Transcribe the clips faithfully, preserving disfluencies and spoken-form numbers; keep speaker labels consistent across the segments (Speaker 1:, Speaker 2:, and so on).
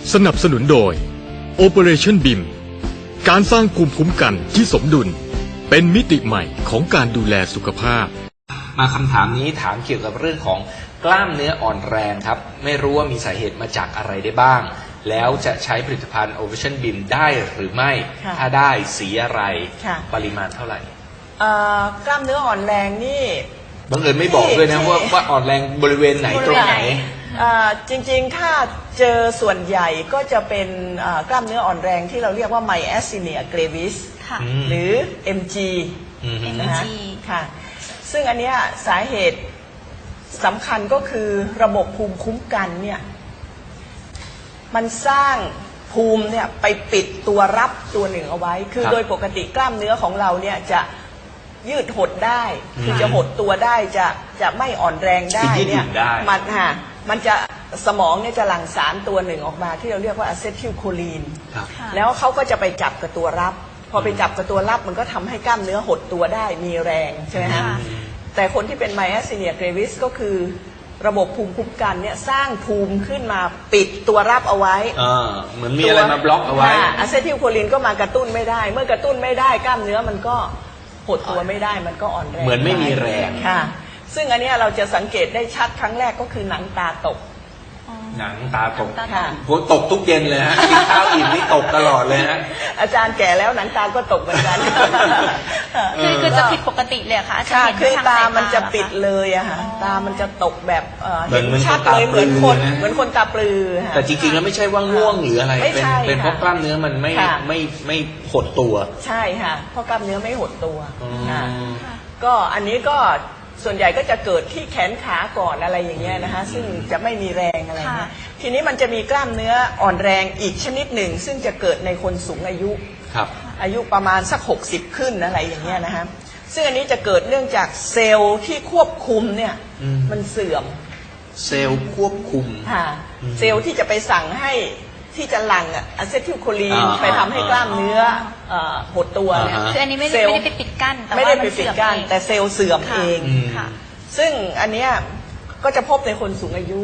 Speaker 1: สนับสนุนโดย Operation บี เอ็ม การสร้างภูมิคุ้มกันที่สมดุลเป็นมิติใหม่ของการดูแลสุขภาพ
Speaker 2: มาคำถามนี้ถามเกี่ยวกับเรื่องของกล้ามเนื้ออ่อนแรงครับไม่รู้ว่ามีสาเหตุมาจากอะไรได้บ้างแล้วจะใช้ผลิตภัณฑ์ Operation บี เอ็ม ได้หรือไม่ถ้าได้สีอะไรปริมาณเท่าไหร่
Speaker 3: กล้ามเนื้ออ่อนแรงนี่
Speaker 2: บังเอิญไม่บอกด้วยนะว่าว่าอ่อนแรงบริเวณไหนตรงไหน
Speaker 3: จริงๆถ้าเจอส่วนใหญ่ก็จะเป็นกล้ามเนื้ออ่อนแรงที่เราเรียกว่า Myasthenia gravis หรือ เอ็ม จี นะคะค่ะซึ่งอันนี้สาเหตุสำคัญก็คือระบบภูมิคุ้มกันเนี่ยมันสร้างภูมิเนี่ยไปปิดตัวรับตัวหนึ่งเอาไว้คือโดยปกติกล้ามเนื้อของเราเนี่ยจะยืดหดได้คือจะหดตัวได้จะจะไม่อ่อนแรงได้เนี่ยมันฮะมันจะสมองเนี่ยจะหลั่งสารตัวหนึ่งออกมาที่เราเรียกว่าอะเซทิลโคลีนแล้วเขาก็จะไปจับกับตัวรับพอไปจับกับตัวรับมันก็ทำให้กล้ามเนื้อหดตัวได้มีแรงใช่ไหมฮะแต่คนที่เป็น Myasthenia gravis ก็คือระบบภูมิคุ้มกันเนี่ยสร้างภูมิขึ้นมาปิดตัวรับเอาไว้
Speaker 2: เหมือนมีอะไรมาบล็อกเอาไว้
Speaker 3: อะเซทิลโคลีนก็มากระตุ้นไม่ได้เมื่อกระตุ้นไม่ได้กล้ามเนื้อมันก็หดตัวไม่ได้มันก็อ่อนแรง
Speaker 2: เหมือนไม่มีแรง
Speaker 3: ค่ะซึ่งอันนี้เราจะสังเกตได้ชัดครั้งแรกก็คือหนังตาตก
Speaker 2: หนังตาตกผมตกทุกเย็นเลยฮะกินข้าวอิ่มนี่ตกตลอดเลยฮะ
Speaker 3: อาจารย์แก่แล้วหนังตาก็ตกเหมือนกัน
Speaker 4: คือคือจะผิดปกติเลยค่ะอาจารย์
Speaker 3: คือตามันจะปิดเลยอะค่ะตามันจะตกแบบเห็นชัดเลยเหมือนคนเหมือนคนตาปลือ
Speaker 2: แต่จริงๆแล้วไม่ใช่ว่าง่วงหรืออะไรเป็นเป็นเพราะกล้ามเนื้อมันไม่ไม่ไม่หดตัว
Speaker 3: ใช่ค่ะเพราะกล้ามเนื้อไม่หดตัวก็อันนี้ก็ส่วนใหญ่ก็จะเกิดที่แขนขาก่อนอะไรอย่างเงี้ยนะคะซึ่งจะไม่มีแรงอะไรนะทีนี้มันจะมีกล้ามเนื้ออ่อนแรงอีกชนิดหนึ่งซึ่งจะเกิดในคนสูงอายุอายุประมาณสักหกสิบขึ้นอะไรอย่างเงี้ยนะคะซึ่งอันนี้จะเกิดเนื่องจากเซลล์ที่ควบคุมเนี่ยมันเสื่อม
Speaker 2: เซลล์ควบคุม
Speaker 3: ค่ะเซลล์ที่จะไปสั่งให้ที่จะหลั่งอะเซทิลโคลีนไปทำให้กล้ามเนื้อหดตัวเนี่ย
Speaker 4: คืออันนี้ไม่ได้ไม่ได้ไปปิดกั้น
Speaker 3: ไม่ได้ไปปิดกั้นแต่เซลล์เสื่อมเองซึ่งอันเนี้ยก็จะพบในคนสูงอายุ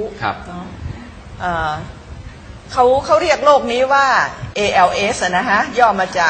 Speaker 3: เขาเขาเรียกโรคนี้ว่า เอ แอล เอส นะฮะย่อมาจาก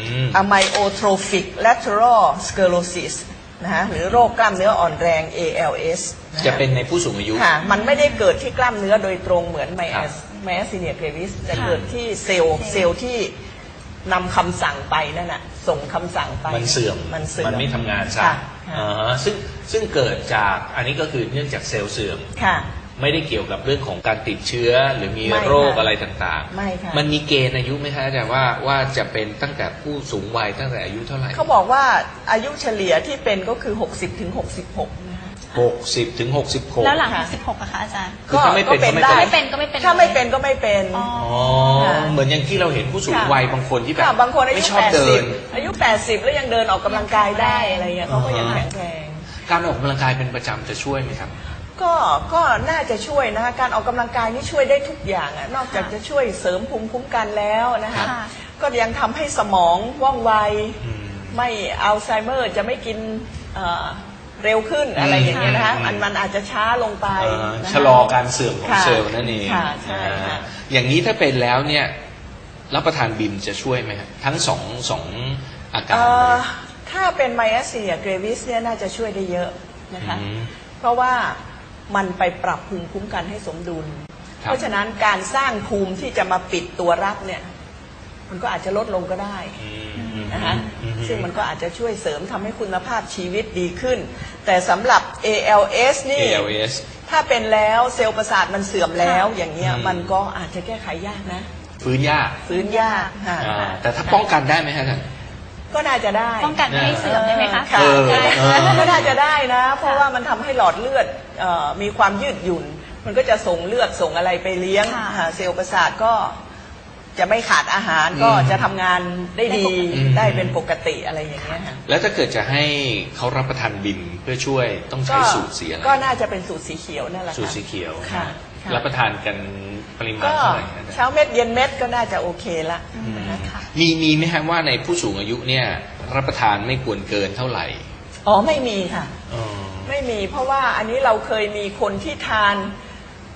Speaker 3: Amyotrophic Lateral Sclerosis นะฮะหรือโรคกล้ามเนื้ออ่อนแรง เอ แอล เอส
Speaker 2: จะเป็นในผู้สูงอายุ
Speaker 3: ค่ะมันไม่ได้เกิดที่กล้ามเนื้อโดยตรงเหมือน Myasthenia gravis จะเกิดที่เซลล์เซลล์ที่นำคำสั่งไปนั่นน่ะส่งคำสั่งไป
Speaker 2: มันเสื่อม
Speaker 3: มันเสื่อม
Speaker 2: มันไม่ทำงานซะซึ่งซึ่งเกิดจากอันนี้ก็คือเนื่องจากเซลล์เสื่อมไม่ได้เกี่ยวกับเรื่องของการติดเชื้อหรือมีโรคอะไรต่าง
Speaker 3: ๆไม่ค่ะ
Speaker 2: มันมีเกณฑ์อายุไหมคะอาจารย์ว่าว่าจะเป็นตั้งแต่ผู้สูงวัยตั้งแต่อายุเท่าไหร่
Speaker 3: เขาบอกว่าอายุเฉลี่ยที่เป็นก็คือหกสิบถึงหกสิบหก
Speaker 2: หกสิบถึงหกสิบหก
Speaker 4: แล้วหลังสิบหกอะคะอาจารย์
Speaker 2: ก็ไม่เป็น
Speaker 3: ได้
Speaker 4: ไม่เป็นก็ไม่เป็น
Speaker 3: ถ้าไม่เป็นก็ไม่เป็น
Speaker 2: อ๋อเหมือนอย่างที่เราเห็นผู้สูงวัยบางคนที่แบบ
Speaker 3: บางคนอายุแปดสิบอายุแปดสิบแล้วยังเดินออกกำลังกายได้อะไรเงี้ยเขาก็ยังแข็งแรง
Speaker 2: การออกกำลังกายเป็นประจำจะช่วยไหมครับ
Speaker 3: ก็ก็น่าจะช่วยนะการออกกำลังกายนี่ช่วยได้ทุกอย่างอะนอกจากจะช่วยเสริมภูมิคุ้มกันแล้วนะคะก็ยังทำให้สมองว่องไวไม่อัลไซเมอร์จะไม่กินเร็วขึ้นอะไรอย่างเงี้ยนะคะมันมันอาจจะช้าลงไป
Speaker 2: ชะลอการเสื่อมของเซลล์นั่นเองอย่างนี้ถ้าเป็นแล้วเนี่ยรับประทานบิมจะช่วยไหมครับทั้งสองสองอาการ
Speaker 3: ถ้าเป็น Myasthenia gravis เนี่ยน่าจะช่วยได้เยอะนะคะเพราะว่ามันไปปรับภูมิคุ้มกันให้สมดุลเพราะฉะนั้นการสร้างภูมิที่จะมาปิดตัวรับเนี่ยมันก็อาจจะลดลงก็ได้นะคะซึ่งมันก็อาจจะช่วยเสริมทำให้คุณภาพชีวิตดีขึ้นแต่สำหรับ เอ แอล เอส นี่ถ้าเป็นแล้วเซลล์ประสาทมันเสื่อมแล้วอย่างเงี้ยมันก็อาจจะแก้ไขยากนะ
Speaker 2: ฟื้นยาก
Speaker 3: ฟื้นยากค่ะ
Speaker 2: แต่ถ้าป้องกันได้ไหมฮะท่าน
Speaker 3: ก็น่าจะได้
Speaker 4: ป้องกันไม่ให้เสื่อมได้ไหมคะ
Speaker 3: ก็น่าจะได้นะเพราะว่ามันทำให้หลอดเลือดมีความยืดหยุ่นมันก็จะส่งเลือดส่งอะไรไปเลี้ยงเซลล์ประสาทก็จะไม่ขาดอาหารก็จะทำงานได้ดีได้เป็นปกติอะไรอย่างเงี้ยค่ะ
Speaker 2: แล้วถ้าเกิดจะให้เขารับประทานบิมเพื่อช่วยต้องใช้สูตรสีอะไร
Speaker 3: ก็น่าจะเป็นสูตรสีเขียวนั่นแหละ
Speaker 2: สูตรสีเขียวรับประทานกันปริมาณเท่าไหร่
Speaker 3: เช้าเม็ดเย็นเม็ดก็น่าจะโอเคละ
Speaker 2: มีมีไหมครับว่าในผู้สูงอายุเนี่ยรับประทานไม่ควรเกินเท่าไหร่
Speaker 3: อ๋อไม่มีค่ะไม่มีเพราะว่าอันนี้เราเคยมีคนที่ทาน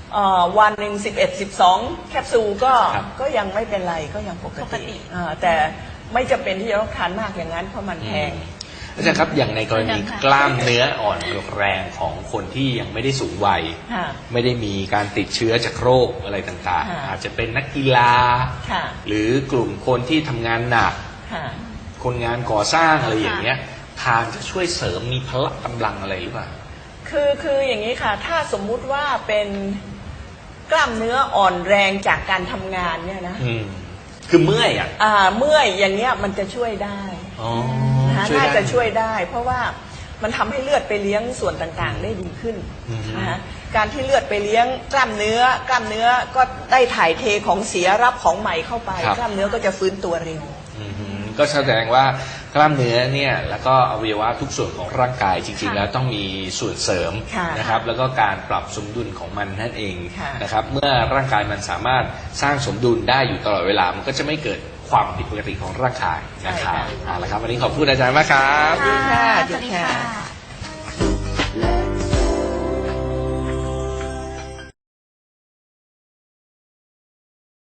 Speaker 3: เอ่อวันหนึ่งสิบเอ็ดสิบสองแคปซูลก็
Speaker 2: ครับ
Speaker 3: ก็ยังไม่เป็นไรก็ยังปก
Speaker 4: ปกติ
Speaker 3: ติอ่าแต่ไม่จำเป็นที่จะต้องทานมากอย่างนั้นเพราะมันแพง
Speaker 2: อาจารย์ครับอย่างในกรณีกล้ามเนื้ออ่อนแรงของคนที่ยังไม่ได้สูงวัย
Speaker 3: ค่ะ
Speaker 2: ไม่ได้มีการติดเชื้อจากโรคอะไรต่าง
Speaker 3: ค่ะ
Speaker 2: ๆ อาจจะเป็นนักกีฬา
Speaker 3: ค่ะ
Speaker 2: หรือกลุ่มคนที่ทำงานหนัก
Speaker 3: ค่ะ
Speaker 2: คนงานก่อสร้างอะไรอย่างเงี้ยทานจะช่วยเสริมมีพละกำลังอะไรหรือเปล่า
Speaker 3: คือคืออย่างนี้ค่ะถ้าสมมุติว่าเป็นกล้ามเนื้ออ่อนแรงจากการทำงานเนี่ยนะ
Speaker 2: อืมคือเมื่อยอ่ะ
Speaker 3: อ่าเมื่อยอย่างเงี้ยมันจะช่วยได้
Speaker 2: อ๋อ
Speaker 3: นะคะ
Speaker 2: ช่วย
Speaker 3: น่า
Speaker 2: ได้
Speaker 3: จะช่วยได้ เพราะว่ามันทำให้เลือดไปเลี้ยงส่วนต่างๆ ได้ดีขึ้น
Speaker 2: อือฮึ
Speaker 3: นะคะการที่เลือดไปเลี้ยงกล้ามเนื้อกล้ามเนื้อก็ได้ถ่ายเทของเสียรับของใหม่เข้าไป
Speaker 2: ครับ
Speaker 3: กล้ามเนื้อก็จะฟื้นตัวเร็ว
Speaker 2: อือหือก็แสดงว่ากล้ามเนื้อเนี่ยแล้วก็อวัยวะทุกส่วนของร่างกายจริงๆ
Speaker 4: ค่ะ
Speaker 2: แล้วต้องมีส่วนเสริม
Speaker 3: ค่ะ
Speaker 2: นะครับแล้วก็การปรับสมดุลของมันนั่นเอง
Speaker 3: ค่ะ
Speaker 2: นะครับเมื่อร่างกายมันสามารถสร้างสมดุลได้อยู่ตลอดเวลามันก็จะไม่เกิดความผิดปกติของร่างกายนะครับ
Speaker 3: ใช่ค่ะ
Speaker 2: เอาละครับวันนี้ขอบคุณอาจารย์มากครับ
Speaker 3: ค่ะ
Speaker 4: สวัสดีค่ะ